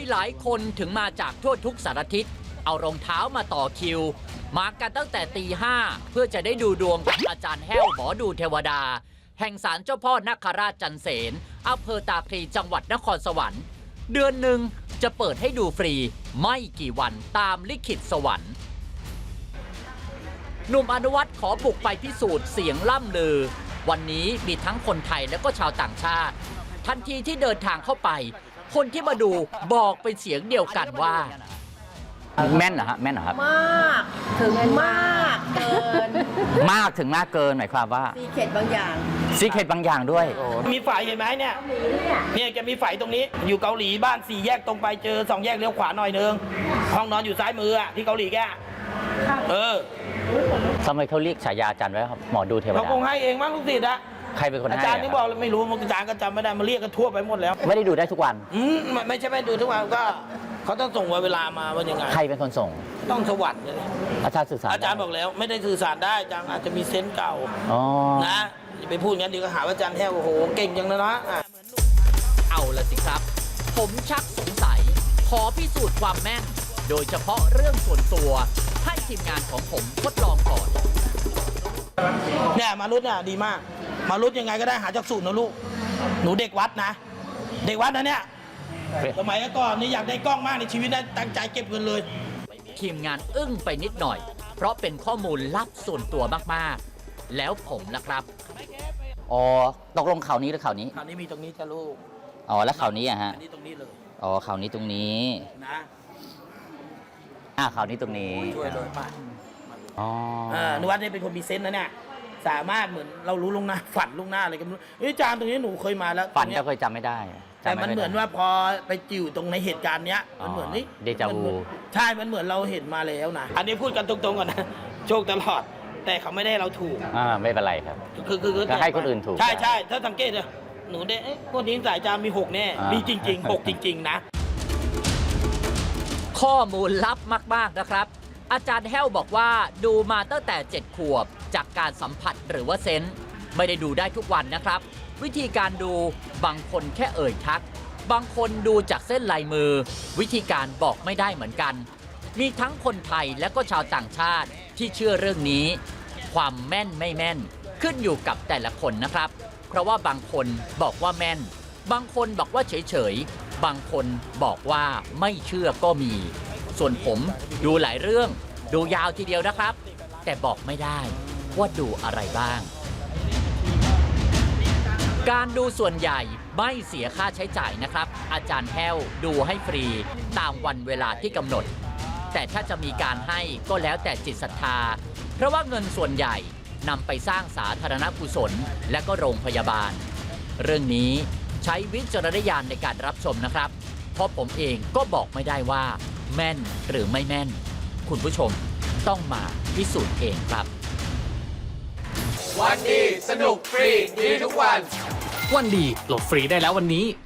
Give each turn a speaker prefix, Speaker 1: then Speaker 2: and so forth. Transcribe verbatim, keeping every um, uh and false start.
Speaker 1: หลายคนถึงมาจากทั่วทุกสารทิศเอารองเท้ามาต่อคิวมากันตั้งแต่ตีห้าเพื่อจะได้ดูดวงกับอาจารย์แห้วหมอดูเทวดาแห่งศาลเจ้าพ่อนาคราชจันเสนอำเภอตาคลีจังหวัดนครสวรรค์เดือนหนึ่งจะเปิดให้ดูฟรีไม่กี่วันตามลิขิตสวรรค์หนุ่มอนุวัฒน์ขอบุกไปพิสูจน์เสียงล่ำลือวันนี้มีทั้งคนไทยและก็ชาวต่างชาติทันทีที่เดินทางเข้าไปคนที่มาดูบอกเป็นเสียงเดียวกันว่าแม่นเหรอฮะแม่นเหรอครับ
Speaker 2: มากถึงมากเกิน
Speaker 1: มากถึงมากเกินหมายความว่า
Speaker 2: ซีเคร็ตบางอย่าง
Speaker 1: ซีเคร็ตบางอย่างด้วย
Speaker 3: มีฝ่ายเห็นไหมเนี่ยเนี่ยจะมีฝ่ายตรงนี้อยู่เกาหลีบ้านสี่แยกตรงไปเจอสองแยกเลี้ยวขวาหน่อยนึงห้องนอนอยู่ซ้ายมืออ่ะที่เกาหลีแกเออ
Speaker 1: ทำไมเขาเรียกฉายาอาจารย์ไว้ครับหมอดูเทวดา
Speaker 3: เขาคงให้เองมั้งลูกศิษย์อะ
Speaker 1: ใครเป็นคนให้
Speaker 3: อาจารย์นี่บอกไม่รู้อาจารย์ก็จำไม่ได้มาเรียกกันทั่วไปหมดแล้ว
Speaker 1: ไม่ได้ดูได้ทุกวัน
Speaker 3: อืมไม่ใช่ไม่ดูทุกวันก็เขาต้องส่งเวลามาว่ายังไง
Speaker 1: ใครเป็นคนส่ง
Speaker 3: ต้องสวรรค์เลย
Speaker 1: อาจารย์สื่อสาร
Speaker 3: อาจารย์บอกแล้วไม่ได้สื่อสารได้อาจารย์อาจจะมีเซนส์เก่านะอย่าไปพูดงั้นดีก็หาว่าอาจารย์แท้โอ้โหเก่งจังเลยนะ
Speaker 1: เอาละสิครับผมชักสงสัยขอพิสูจน์ความแม่นโดยเฉพาะเรื่องส่วนตัวให้ทีมงานของผมทดลองก่อน
Speaker 3: เนี่ยมารุดเนี่ยดีมากมารุดยังไงก็ได้หาจากสูตรนะลูกหนูเด็กวัดนะเด็กวัดนะเนี่ยสมัยก่อนนี่อยากได้กล้องมากในชีวิตนะตั้งใจเก็บเงินเลย
Speaker 1: ทีมงานอึ้งไปนิดหน่อยเพราะเป็นข้อมูลลับส่วนตัวมากๆแล้วผมนะครับอ๋อตกลงข่าวนี้หรือข่าวนี้
Speaker 3: ข่าวนี้มีตรงนี้จ้ะลูก
Speaker 1: อ๋อแล้วข่าวนี้อะฮะ
Speaker 3: อันนี้ตรงนี้เลย
Speaker 1: อ๋อข่าวนี้ตรงนี้
Speaker 3: นะ
Speaker 1: อ่าข่าวนี้ตรงนี้
Speaker 3: ช่วยเลยป่ะ
Speaker 1: อ๋อ
Speaker 3: หนูวัดนี่เป็นคนมีเซนส์นะเนี่ยสามารถเหมือนเรารู้ลงหน้าฝันลงหน้าอะไรกันเฮ้ยจานตรงนี้หนูเคยมาแล้ว
Speaker 1: ฝันก็เคยจำไม่ได้
Speaker 3: แต่มันเหมือนว่าพอไปจิ๋วตรงในเหตุการณ์เนี้ยมันเหมือนนี่
Speaker 1: เดจาวู
Speaker 3: ใช่มันเหมือนเราเห็นมาแล้วนะอันนี้พูดกันตรงๆก่อนนะโชคตลอดแต่เขาไม่ได้เราถูก
Speaker 1: อ่าไม่เป็นไรครับ
Speaker 3: คือคือ
Speaker 1: ก็ให้คนอื่นถูก
Speaker 3: ใช่ใช่ถ้าสังเกตเลยหนูได้คนนี้สายจามมีหกแน่มีจริงๆหกจริงๆนะ
Speaker 1: ข้อมูลลับมากๆนะครับอาจารย์แห้วบอกว่าดูมาตั้งแต่เจ็ดขวบจากการสัมผัสหรือว่าเซนส์ไม่ได้ดูได้ทุกวันนะครับวิธีการดูบางคนแค่เอ่ยทักบางคนดูจากเส้นลายมือวิธีการบอกไม่ได้เหมือนกันมีทั้งคนไทยและก็ชาวต่างชาติที่เชื่อเรื่องนี้ความแม่นไม่แม่นขึ้นอยู่กับแต่ละคนนะครับเพราะว่าบางคนบอกว่าแม่นบางคนบอกว่าเฉยๆบางคนบอกว่าไม่เชื่อก็มีส่วนผมดูหลายเรื่องดูยาวทีเดียวนะครับแต่บอกไม่ได้ว่าดูอะไรบ้างการดูส่วนใหญ่ไม่เสียค่าใช้จ่ายนะครับอาจารย์แห้วดูให้ฟรีตามวันเวลาที่กำหนดแต่ถ้าจะมีการให้ก็แล้วแต่จิตศรัทธาเพราะว่าเงินส่วนใหญ่นำไปสร้างสาธารณกุศลและก็โรงพยาบาลเรื่องนี้ใช้วิจารณญาณในการรับชมนะครับเพราะผมเองก็บอกไม่ได้ว่าแม่นหรือไม่แม่นคุณผู้ชมต้องมาพิสูจน์เองครับ
Speaker 4: วันดีสนุกฟรีดีทุกวัน
Speaker 5: วันดีโหลดฟรีได้แล้ววันนี้